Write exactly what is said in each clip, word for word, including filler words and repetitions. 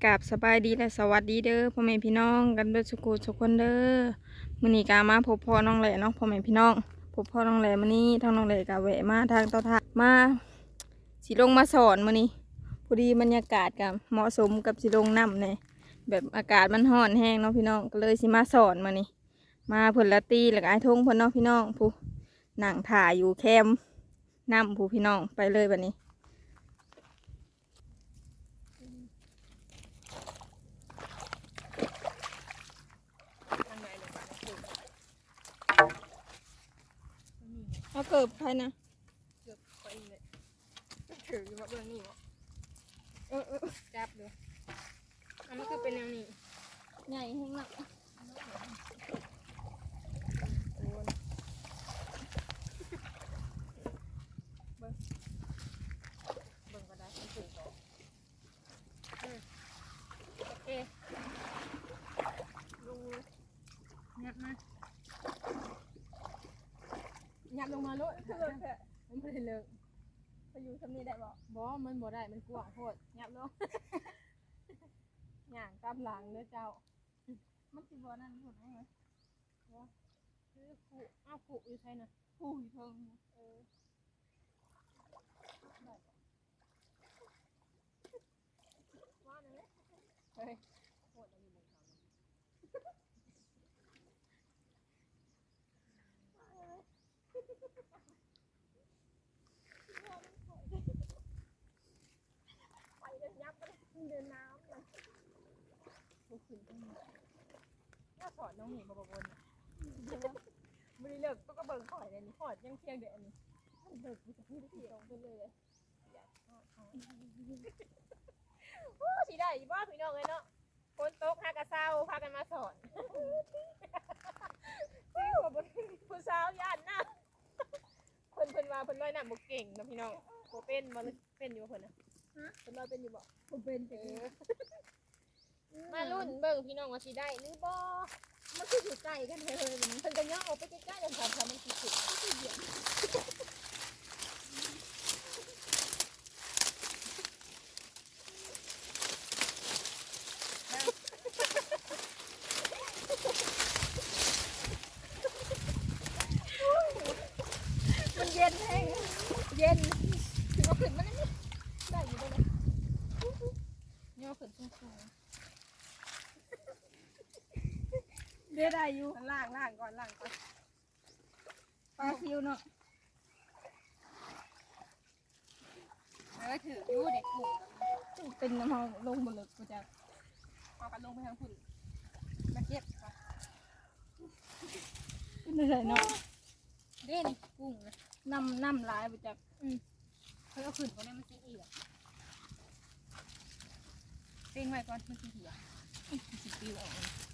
กับสบายดีและสวัสดีเด้อพ่อแม่พี่น้องกันเบิดสุขุทุกคนเด้อมื้อนี้กามาพบพ่อน้องแหล่เนาะพ่อแม่พี่น้องพบพ่อน้องแหล่มื้อนี้ทางน้องแหล่กาแวะมาทางต่อทางมาสิลงมาสอนมื้อนี้พอดีบรรยากาศกับเหมาะสมกับสิลงน้ำเนี่ยแบบอากาศมันร้อนแห้งเนาะพี่น้องก็เลยสิมาสอนมื้อนี้มาเพิ่นละตีแล้วก็ไอ้ทงเพิ่นเนาะพี่น้องผู้นั่งถ่ายอยู่แคมป์น้ำผู้พี่น้องไปเลยบัดนี้เอาเกิบไปนะเกิบไปเลยถือมาเบื้องนี้วะเออเออจับเลยอันนี้คือเป็นอย่างนี้ใหญ่แห้งมากเบิ้งเบิ้งก็ได้ทั้งสี่ตัวโอเคลงงัดมายับลงมาโลดเลิกแท้มันไม่ได้เลิกไปอยู่ทำนี้ได้บ่บ่มันบ่ได้มันกว้างโพดยับลงย่างตามหลังเด้อเจ้ามันสิบ่นั่นพุ่นเอาไงบ่คือขู่อ้าวขู่อยู่ไสน่ะขู่อยู่เทิงเออได้ว่านั่นแหละเฮ้ยโคตรอยู่บนเขาไปเลยยับไปเดินน้ำเลยบุกขึ้นตรงนี้น่าสอนน้องหมีบบบนไม่ได้เลิกก็กระเบิงข่อยเลยนี่ข่อยยังเที่ยงเด็ดนี่เลิกกูจะพูดที่ตรงไปเลยโอ้สีได้บ้าพี่น้องเลยเนาะคนโต๊ะหากระเซ้าพากันมาสอนผู้สาวย่านหน้าเพิ่นเพิ่นว่าเพิ่นลอยน้ำบุกเก่งนะพี่น้องโบเป็นบ่เป็นอยู่เพิ่นนะเพิ่นลอยเป็นอยู่บ่โบเป็นเออมารุ่นเบิ่งพี่น้องว่าสิได้หรือบ่มันคืออยู่ใกล้กันเลยเพิ่นก็ย่อออกไปใกล้ๆกันค่ะมันสิสุดมันสิเดียวมันเย็นแห้งเย็นถึงเอาขึ้นมาได้ได้อยู่เลยย่อขึ้นสูงๆได้ได้อยู่ล่างล่างก่อนล่างก่อนปลาซิวเนาะเออถืออยู่เด็กกลุ่มเป็นน้ำมันลงหมดเลยกูจะเอากันลงไปทางคุณมาเก็บขึ้นไปเลยเนาะเด่นกุ้งนะน้ำน้ำลายไปจากอืมเขาเอาขึ้นเขาเนี่ยมันสีเอียดเต้งไว้ก่อนมันสีเหี่ยวสีปิวออก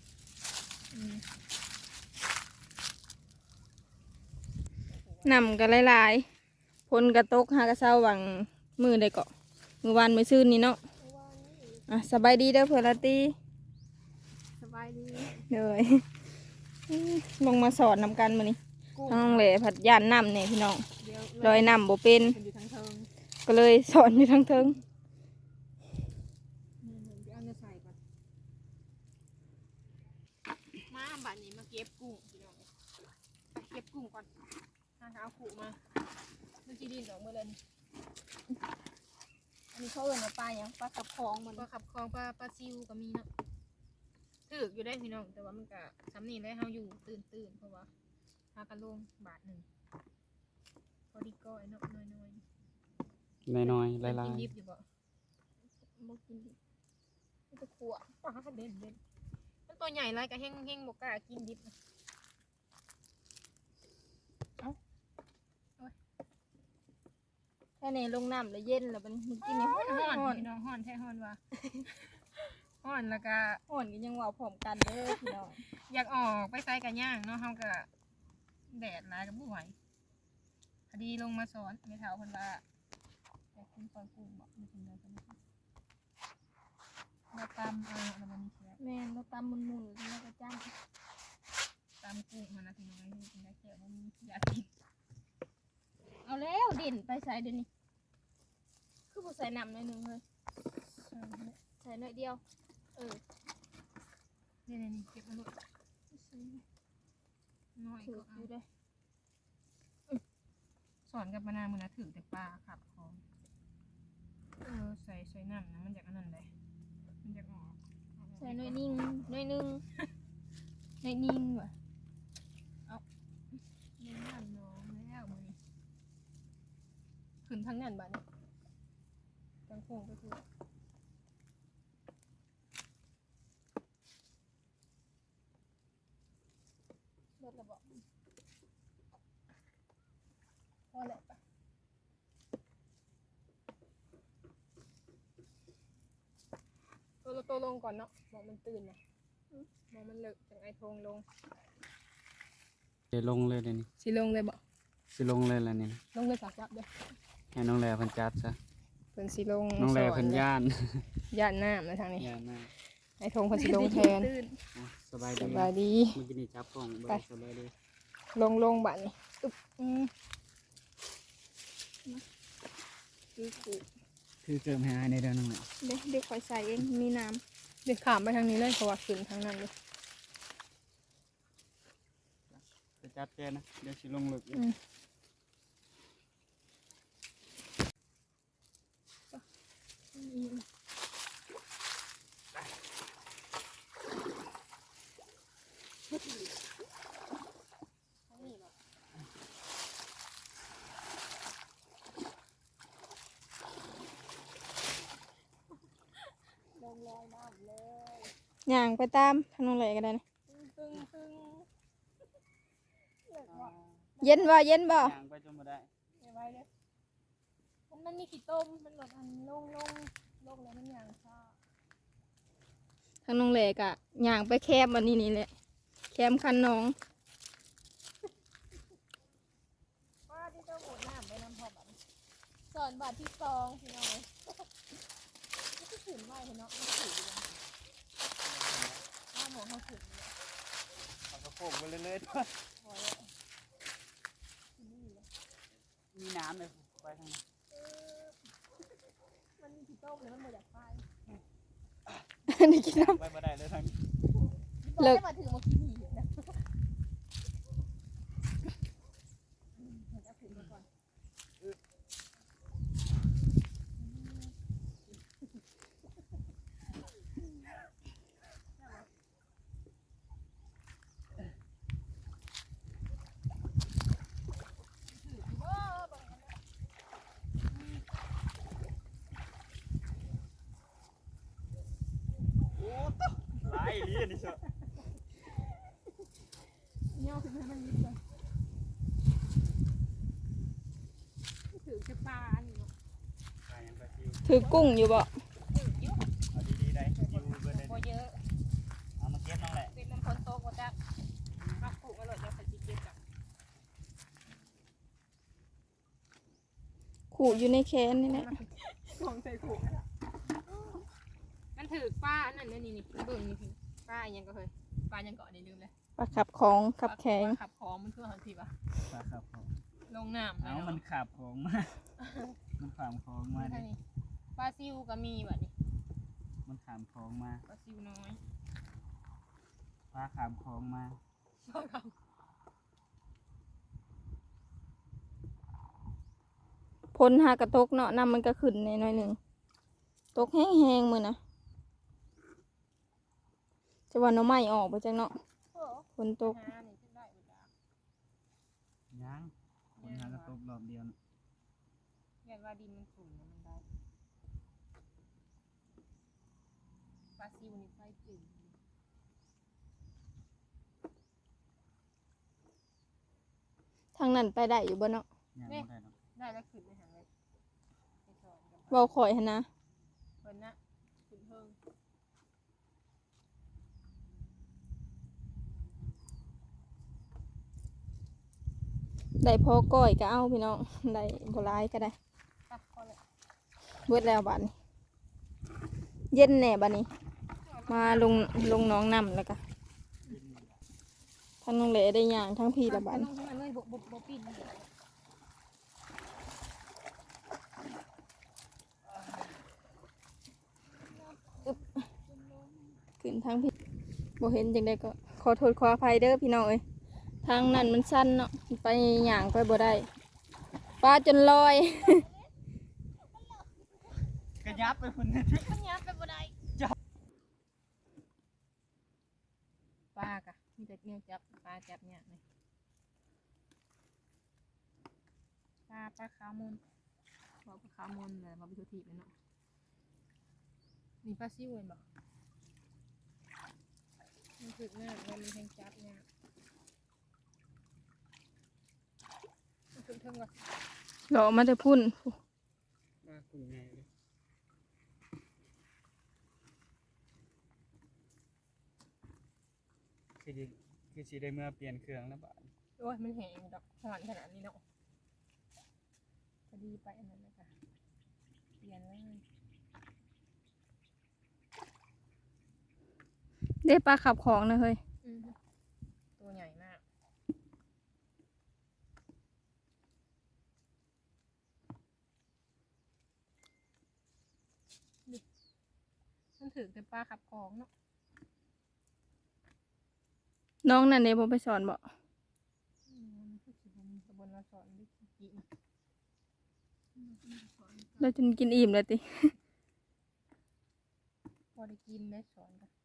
นำกันหลายๆพลกระตกหากระเซ้าหวังมือได้เกาะมือวานมือซื่นนี่เนาะอ่ะสบายดีเด้อเพื่อนละตีสบายดีเลยลงมาสอนนำกันมานี่น้องเหล่ผัดย่านน้ำเนี่ยพี่น้องลอยน้ำโบเป็นก็เลยสอนอยู่ทั้งเทิงมาบัดนี้มาเก็บกุ้งพี่น้องไปเก็บกุ้งก่อนหาเอาขู่มาเมื่อกี้ดินดอกเมื่อเรนอันนี้เขาเอิ้นว่าปลาอย่างปลาขับคลองมันปลาขับคลองปลาปลาซิวก็มีเนาะถืออยู่ได้พี่น้องแต่ว่ามันก็ซ้ำนี่ได้เขาอยู่ตื่นตื่นเพราะว่าพากันลงบาทหนึ่งพอดีก้อยเนาะน้อยน้อยน้อยน้อยลายลายกินดิบอยู่บ่บ่กินดิบมันจะขั่วปลาเด่นเด่นมันตัวใหญ่ไรก็แห้งแห้งบกล้ากินดิบแค่ในลงน้ำแล้วเย็นแล้วมันกินในห้อนห้อนพี่น้องห้อนแท้ห้อนว่ะห้อนแล้วก็ห้อนก็ยังว่าพร้อมกันเด้อพี่น้องอยากออกไปใส่กันย่างเนาะเฮาก็แดดร้ายกับบ่ไหวพอดีลงมาสอนไม่เท่าคนว่าอยากกินปลากุ้งบอกไม่กินเลยกันเราตำเออแล้วมันเสียแม่เราตำมุนมุนแล้วก็จ้างตำกุ้งมันนะพี่น้องให้กินได้แค่ว่ามีอยากกินเอาแล้วเด่นไปใส่เดี๋ยวนี้คือผู้ใส่น้ำหน่อยหนึ่งเลยใส่หน่อยเดียวเออนี่นี่เก็บมาเลยน้อยก็เอาได้สอนกับมานาวมือนะถือแต่ปลาขับคองเออใส่ใส่น้ำนะมันจากอันนั้นเลยมันจากออกใส่น้อยนิ่งน้อยนึงน้อยนิ่งว่ะเอาน้ำน้ำน้องแล้วมือนี้ขึ้นทั้งนั้นบ้านจังคงก็คือรถระเบิดพอแล้วปะตัวเราโตลงก่อนเนาะมองมันตื่นนะมองมันเลิกจากไอโทงลงเดี๋ยวลงเลยเดี๋ยวนี้สิลงเลยบ่สิลงเลยแล้วนี่นะลงเลยสักจับเด้อให้น้องแลเพิ่นจัดซะเพิ่นสิลงน้องแลเพิ่นย่านย่านน้ำนะทางนี้ย่านนะไอโทงเพิ่นสิลงแทนอ่ะสบายสดีบายดีเมื่อกี้นี่จับกล้องบ่ไปสบายดีลงลงบัดนี้อึ๊บอืมคือคือคือเกิมให้อายในเด้อน้องแลเดี๋ยวเดี๋ยวคอยใส่เองมีน้เดี๋ยวขามไปทางนี้เลยเพราะว่าขึ้นทางนั้นเลยจะจัดแกนะเดี๋ยวสิลงลึกอยู่อืมลงลอยน้ำเลยำย่างไปตามทางน้องแหล่ก็ได้นะตึ้งตึ้งตึ้งเลิกว่ะเย็นบ่เย็นบ่ย่างไปจนบ่ได้เดี๋ยวไว้เลยมันมันมีขี้ต้มมันหลดอันลงลงลงแล้วมันอย่างซ่าทางน้องแหล่ก็ย่างไปแคบอันนี้นี่แหละแคมคันน้องว่าที่เจ้าหมูน้ำไปน้ำพอแบบสอนบาทที่สองพี่น้องนี่ก็ขืนไหวเนาะไม่ขืนเลยน้าหมูเขาขืนเลยเอากระโปงไปเรื่อยๆด้วยพอแล้วมีน้ำเลยไปทางนั้นมันมีขี้ต้มแล้วมันหมดจากไฟนี่กินน้ไปบ่ได้เลยทางนี้เลิกบอกให้มาถึงมาขี้หนีนะจะขืนมาก่อนหลายอีหลีอันนี้เชียวเนี่ยคือมันมีเลยถือจะปลาอันนี้เนาะไปยังไปซิวำถือกุ้งอยู่บ่ถือเยอะเอาดีๆได้ซิวเบิดได้พอเยอะเอามาเก็บน้องแหละเป็นน้ำคนโตกว่าจักข้าวผูกอร่อยจะใส่จีเกียบกับขู่อยู่ในแคนนี่แหละของใส่ผูกมันถือป้าอันนั้นนี่นี่เบิ่งนี่ป้ายังก็เคยป้ายังเกาะนี่ลืมเลยปลาขับของขับแข็งขับของมันคือหันทีปะปลาขับของลงน้ำเอามันขับของมา มันขามของมาดิปลาซิวก็มีแบบนี้มันขามของมาปลาซิวน้อยปลาขามของมาปลาเขาพ้นหากระตกเนาะน้ำมันก็ขึ้นในน้อยหนึ่งตกแห้งๆมือนะจะว่าหน้ำไม้ออกไปจังเนาะโอ้ฝนตกหานี่ขึ้นได้เวลายังคนหากระตบรอบเดียวนะอยากว่าดินมันสูงนะมันได้ปลาซิวนี่ไฟจืดทางนั้นไปได้อยู่บ่เนาะยังไม่ได้หรอกได้แล้วขึ้นในหางเลยไปสอนกับเว้าข่อยหั้นนะเพิ่นนะขึ้นเพิ่งได้พอก้อยก็เอาพี่น้องได้บ่ร้ายก็ได้ตักก็เลยเบิดแล้วบัดนี้ เย็นแน่บัดนี้ มาลงลงหน้องน้ำแล้วก็ทั้งน้องเหลได้ย่างทั้งพี่ละบัดลนี้งทั้งนั้นเลยบ่บ่บ่ปิดเลยขึ้นทางพี่บ่เห็นจังไดก็ขอโทษขออภัยเด้อพี่น้องเอ้ยทางนั้นมันสั้นเนาะไปหย่างไปบ่ได้ปลาจนลอยกระยับไปคนนึงมันยับไปบ่ได้ปลากะมีแต่เนี่ยจับปลาจับเนี่ยเลยปลาปลาขาวมูลบอกปลาขาวมูลเลยมาไปทุกทีเลยเนาะนี่ปลาซิวเห็นบอกมันถึกหน้ามันมีแทงจับเนี่ยมันถึงเทิงก่อนหล่อมาแต่พุ่นมาคุยไงเลยคือดีคือสีได้เมื่อเปลี่ยนเครื่องแล้วบ้านโอ้ยมันแห้งดอกหอนขนาดนี้เนาะพอดีไปอันนั้นนะคะเปลี่ยนเลยได้ปลาขับของนะเฮ้ยอืมตัวใหญ่มากดิมันถือแต่ปลาขับของเนาะน้องนั่นเด้บ่ไปสอนบ่อืมคือสิบนตะบนเราสอนดิกินเราจนกินอิ่มเลยติพอได้กินได้สอนกัน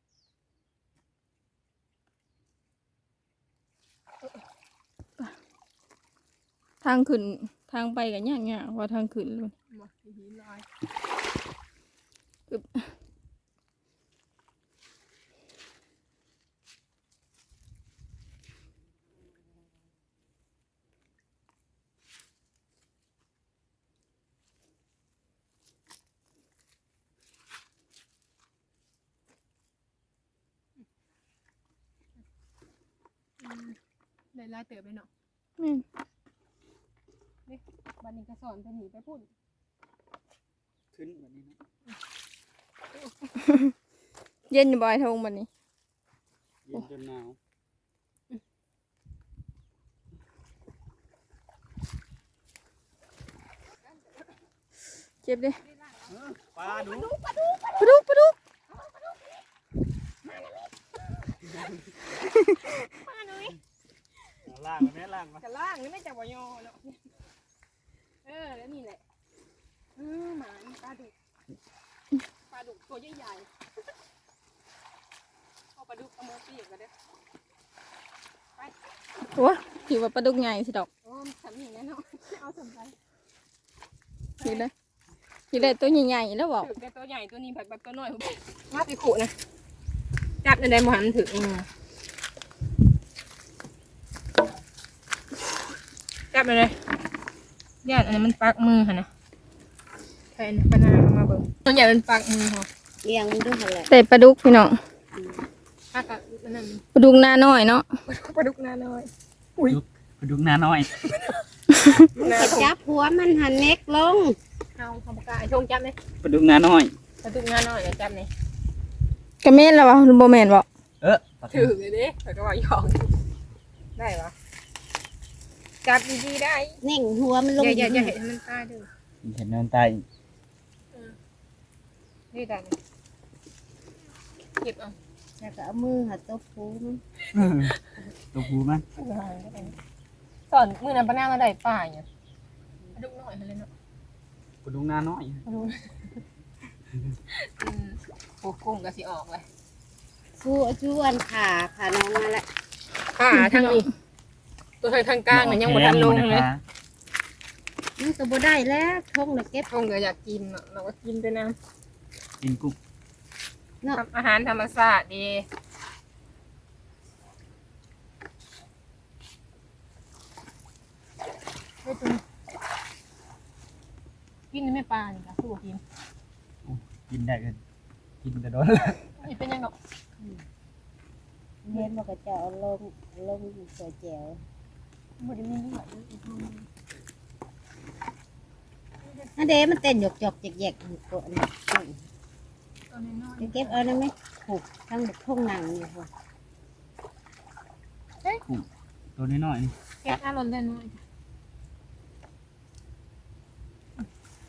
ทางขึ้นทางไปก็ยากๆว่าทางขึ้นเลยมาหินลอย ได้ลายเติบไปเนาะแม่นนี่บันนี้ก็สอนไปหนีไปพุ่นขึ้นแบบนี้นะเย็นอยู่บ่อยทงบัดนี้เย็นจนหนาวเจ็บเด้ปลาดูปลาดุกปลาดุกมาหน่อยล่างแม่ล่างมากระล่างนี่ไม่จับวายอเนาะเออแล้วนี่แหละเออหมาปลาดุกปลาดุกตัวใหญ่ๆเอาปลาดุกเอามือเปียกกันเด้อไปโอ้ถือว่าปลาดุกใหญ่สิดอกโอ้ทำอย่างนี้เนาะเอาสมไปถือได้ถือได้ตัวใหญ่ๆแล้วบอกถือแต่ตัวใหญ่ตัวนี้แบบแบบตัวน้อยว่าไปขู่นะจับในใดหมหันถึงจับไปเลยญาติอันนี้มันปักมือค่ะนะแทนปนามาเบิ่งตัวใหญ่มันปักมือค่ะเลี้ยงมันด้วยแหละแต่ปลาดุกพี่น้องปักกับนั่นปลาดุกหน้าน้อยเนาะปลาดุกนาน้อยปลาดุกหน้าน้อยจะจับหัวมันหันเน็กลงเอาขบกาชงจับเลยปลาดุกหน้าน้อยปลาดุกนาน้อยเลยจับเลยกระเม็ดแล้ววะบ่แม่นบ่เออถือเลยดิแต่ก็ว่าหยอกได้ปะจับดีๆได้เน่งหัวมันลงอย่าอย่าอย่าเห็นมันตายเด้อเห็นเนินใต้นี่ได้เลยเก็บเอาแล้วก็เอามือหัดตบหูมันตัวผูมันสอนมือนั้นปะหน้ามาได้ป่าเนี่ยปลาดุกน้อยมาเลยเนาะปลาดุกหน้าน้อยปลาดุกอืมโอ้กุ้งก็สิออกเลยฟูจวนขาขาน้องมาละขาทางนี้ตัวทางทางกลางเนี่ยยังบ่ทันลงเลยมันก็บ่ได้แล้วท้องเลยเก็บคงก็อยากกินเนาะเราก็กินไปนะกินกุ้งทำอาหารธรรมชาติดีเฮ้ยตัวกินไม่ปลานี่ค่ะสู้กินกินได้กันกินแต่โดนนี่เป็นยังไงเห็นมันก็จะเอาลงลงใส่แจวบ่ได้มีเลือดเลยอันเดมันเต้นหยกหยกแยกๆอยู่ตัวนี้ตัวน้อยจะเก็บเอาได้ไหมผูกทั้งทุ่งหนังอยู่ค่ะตัวน้อยๆนี่ๆแกะอารมณ์ได้น้อย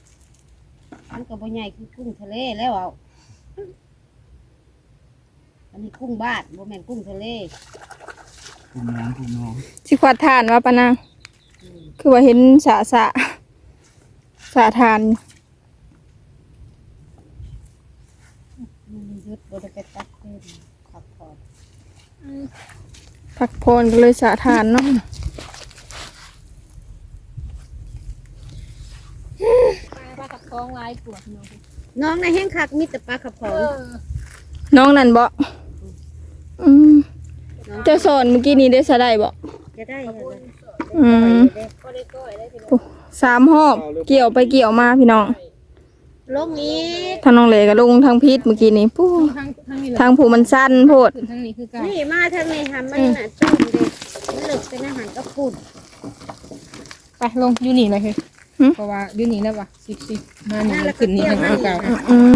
มันก็บ่ใหญ่คือกุ้งทะเลแล้วเอาอันนี้กุ้งบ้านบ่แม่นกุ้งทะเลกลุ่มน้องกลุ่มน้องสิขวัดทานว่าปะนางอืมคือว่าเห็นสะสะสะทานมันยุดบ่ได้ไปตัดเส้นขับพอดพักพรก็เลยสะทานเนาะปลาปลากับคองลายปวดเนาะน้องในะแห้งคักมีแต่ปลาขับพอดน้องนั่นบ่อืมเจะสอนเมื่อกี้นี้ได้สะได้บ่จะได้อะไรอืมก็ได้ก้อยได้พี่น้องสามหอบเกี่ยวไปเกี่ยวมาพี่น้องลงอีกทางน้องเหลก็ลงทางพิษเมื่อกี้นี้ปู้ทั้งทั้งนี้เลยทางผูมันสั้นโพดขึ้นทั้งนี้คือเก่านี่มาทางนี้ทำมันน่ะตื้มเด็กมันหลึกเป็นอาหารกระปุ่นไปลงอยู่นี่เลยคือเพราะว่าอยู่นี่แล้วว่ะสิบสิบมานี่มันขึ้นนี่ทางเอาเก่าอืม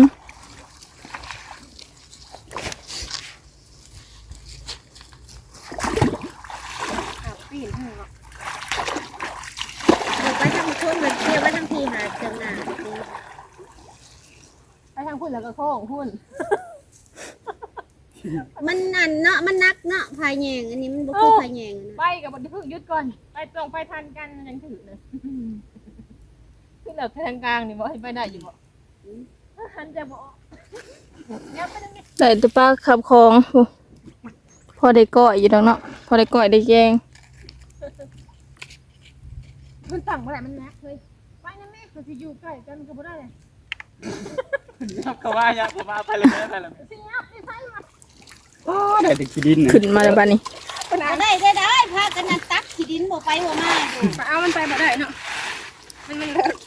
ขับปีนให้หรอกเดี๋ยวไปทางคนมันเที่ยวไปทางทีหาเจังหนาดีไปทางพุ่นแล้วก็โค้งพุ่นมันนั่นเนาะมันนักเนาะพายแยงอันนี้มันบ่คือพายแยงอะไปนะกับบนพึ่งยุดก่อนไปตรงไปทันกันยังถือเลยขึ้นแบบทางกลางนี่บ่ให้ไปได้อยู่บ่หันจะบ่เดี๋ยวไปตรงนี้ได้แตัวปลาขับคลองโอ้พอได้ก้อยอยู่ดอกเนาะพอได้ก้อยได้แกงมันตั้งบ่ได้มันนักเลยไปนะแม่เขาสิอยู่ใกล้กันก็บ่ได้เลยยับเข้ามายับเข้ามาไปเลยแม่ไปเลยแม่สิยับสิใส่มาโอ้ได้แต่ขี้ดินน่ะขึ้นมาแล้วบ้านี้เอาได้ได้ได้พากันนั่นตักขี้ดินบ่ไปบ่มาอยู่ไปเอามันไปบ่ได้เนาะมันมันเลิก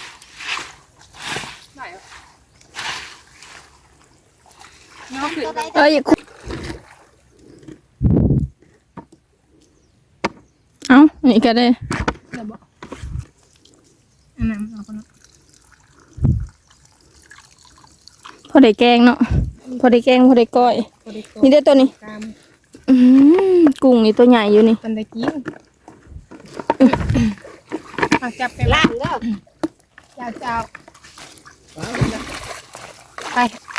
ได้เหรอเนาะขึ้นก็ได้เอ้ยคุเอ้านี่ก็ได้เดี๋ยวบ่อันนั้นเอาคนละพอได้แกงเนาะพอได้แกงพอได้ก้อยบ่ได้โกนี่ได้อตัวนี้ตามอืมกุ้งนี่ตัวใหญ่อยู่นี่มันได้กินเอาจับไปล่างเด้อเจ้าเจ้าไป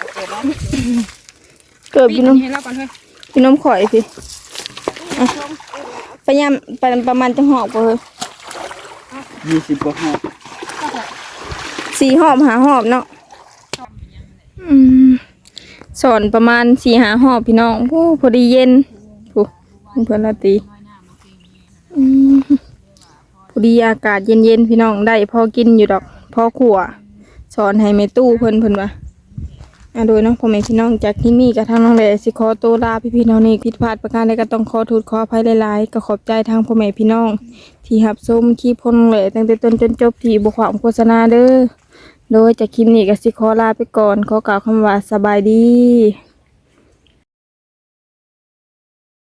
เกิดปีพี่นน้องให้เราก่อนเฮ้ยพี่น้องข่อยพี่อ่ะไปยามไปประมาณจะหอบบ่เฮ้ยยี่สิบกว่าหอบสี่หอบหาหอบเนาะอืมสอนประมาณสี่หาหอบพี่น้องโอ้พอดีเย็นโอ้เพื่อนราตรีอืมพอดีอากาศเย็นๆพี่น้องได้พอกินอยู่ดอกพอขัวสอนให้แม่ตู้เพิ่นเพิ่นว่าอ่ะโดยเนาะพ่อแม่พี่น้องจากที่นี่กับทางน้องแหล่สิขอตัวลาพี่พี่น้องนี่ผิดพลาดประการใดก็ต้องขอโทษขออภัยหลายๆก็ขอบใจทางพ่อแม่พี่น้อง ที่รับชมคลิปพ่อน้องแหล่ตั้งแต่ต้นจนจบที่บ่ความโฆษณาเด้อโดยจากคลิปนี้ก็สิขอลาไปก่อนขอกล่าวคำว่าสบายดี